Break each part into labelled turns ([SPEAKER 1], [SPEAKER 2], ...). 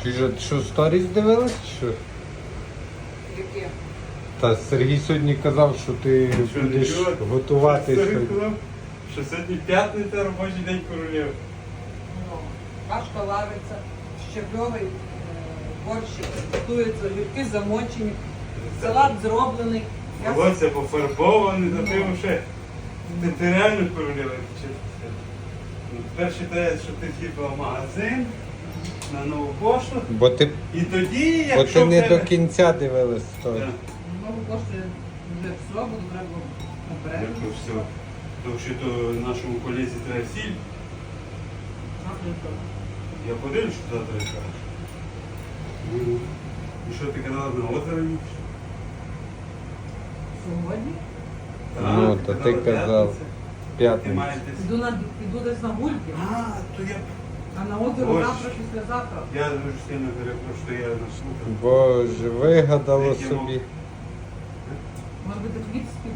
[SPEAKER 1] Ти ж що, сторіс дивилась, чи що?
[SPEAKER 2] Яке?
[SPEAKER 1] Та Сергій сьогодні казав, що ти
[SPEAKER 3] Що,
[SPEAKER 1] будеш
[SPEAKER 3] нічого?
[SPEAKER 1] готувати
[SPEAKER 3] Що
[SPEAKER 1] щось.
[SPEAKER 3] сказав? Що сьогодні п'ятниця, робочий день королів.
[SPEAKER 2] Ну, кашка вариться, щепльовий борщик, готується, гірки замочені, салат зроблений. Я
[SPEAKER 3] Волосся пофарбоване, за тим ще. Ти реально королева. Перше те, що ти з'їхала в магазин на нову пошту.
[SPEAKER 1] Бо ти,
[SPEAKER 3] І тоді,
[SPEAKER 1] бо
[SPEAKER 3] якщо
[SPEAKER 1] ти
[SPEAKER 3] в
[SPEAKER 1] не
[SPEAKER 3] тебе...
[SPEAKER 1] до кінця дивилась сторіс.
[SPEAKER 3] Так.
[SPEAKER 2] знову коштує вже все, буду треба наперед.
[SPEAKER 3] Дякую, все. Тому що то нашому колезі треба сіль. Я подивлюсь, що завтра кажеш. І що ти казала, на озеро їдеш?
[SPEAKER 2] Сьогодні
[SPEAKER 1] Ну, то ти казав.
[SPEAKER 3] Ти
[SPEAKER 1] П'ятниця.
[SPEAKER 3] маєш десь...
[SPEAKER 2] піду десь на гульки,
[SPEAKER 3] А, то я...
[SPEAKER 2] а на озеро
[SPEAKER 3] Ось.
[SPEAKER 2] завтра, післязавтра.
[SPEAKER 3] Я дуже сильно перепрошую, що я наслухав.
[SPEAKER 1] Боже, вигадало
[SPEAKER 3] Який
[SPEAKER 1] собі.
[SPEAKER 2] Може бути хліб спік.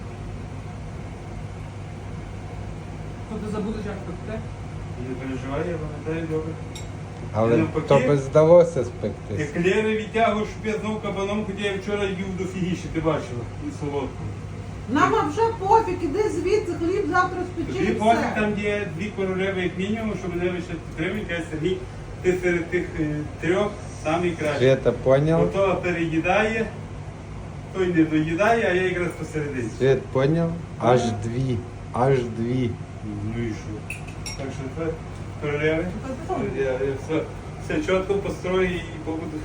[SPEAKER 2] Що ти забудеш, як пекти?
[SPEAKER 3] Не переживай, я пам'ятаю добре.
[SPEAKER 1] Але
[SPEAKER 3] навпаки,
[SPEAKER 1] то би здалося спектись.
[SPEAKER 3] Еклери відтягуєш, щоб я знов кабаном, хоча я вчора їв дофігіше, ти бачила, і солодку.
[SPEAKER 2] Нам вже пофіг, іди звідси, хліб завтра спечи
[SPEAKER 3] Тобі
[SPEAKER 2] і
[SPEAKER 3] пофіг,
[SPEAKER 2] все.
[SPEAKER 3] там є дві королеви як мінімум, що мене лише підтримують, я Сергій, ти серед тих трьох самий кращий.
[SPEAKER 1] Свята поняв?
[SPEAKER 3] Ото переїдає, той не доїдає, а я якраз посередині.
[SPEAKER 1] Світ поняв? Аж дві. Аж дві.
[SPEAKER 3] Ну і що? Так що це королеви. Я все чітко построю і побуду.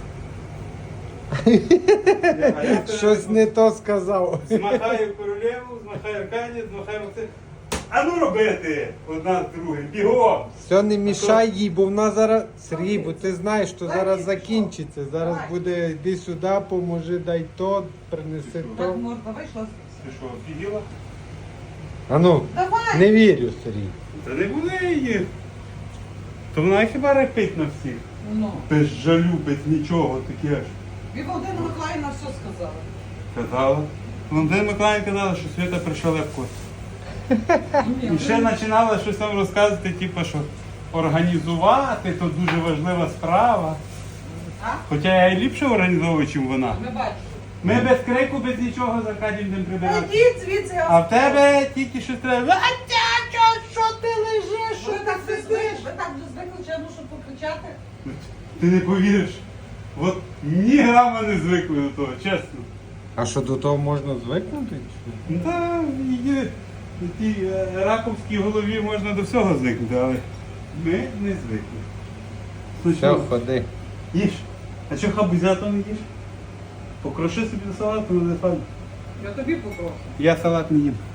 [SPEAKER 1] Щось не то сказав.
[SPEAKER 3] Змахаю королеву, змахаю Аркадія, змахаю Максим. А ну робити! Одна з другим. Бігом!
[SPEAKER 1] Все, не мішай їй, бо вона зараз. Сергій, бо ти знаєш, що зараз закінчиться. Зараз буде йди сюди, поможи, дай то, принеси
[SPEAKER 2] Так
[SPEAKER 1] то.
[SPEAKER 2] можна вийшла.
[SPEAKER 3] Ти що, офігіла?
[SPEAKER 1] А ну,
[SPEAKER 2] Давай!
[SPEAKER 1] не вірю, Сергій.
[SPEAKER 3] Та не буде її. То вона хіба репить на всіх.
[SPEAKER 2] Ну.
[SPEAKER 3] Без жалю, без нічого таке ж.
[SPEAKER 2] І Володимира Миколаївна все сказала.
[SPEAKER 3] Казала. Валентина Миколаївна казала, що Свята прийшла легко. І ще починала щось там розказувати, типу, що організувати, то дуже важлива справа.
[SPEAKER 2] А?
[SPEAKER 3] Хоча я і ліпше організовую, ніж вона.
[SPEAKER 2] Ми бачимо.
[SPEAKER 3] Ми без крику, без нічого з Аркадієм будемо прибирати.
[SPEAKER 2] Ідіть звідси, я
[SPEAKER 3] А в тебе тільки щось треба. Що ти лежиш?
[SPEAKER 2] Ви так вже звикли, ви так вже звикли, що я мушу покричати.
[SPEAKER 3] Ти не повіриш. От ні грама не звикли до того, чесно.
[SPEAKER 1] А що до того можна звикнути? чи?
[SPEAKER 3] Ну так, в тій раковській голові можна до всього звикнути, але ми не звикли. Ну
[SPEAKER 1] Все,
[SPEAKER 3] що,
[SPEAKER 1] ходи.
[SPEAKER 3] їж. А що хабузято не їш? Покроши собі до салату, не файно.
[SPEAKER 2] Я тобі попрошу.
[SPEAKER 3] Я салат не їм.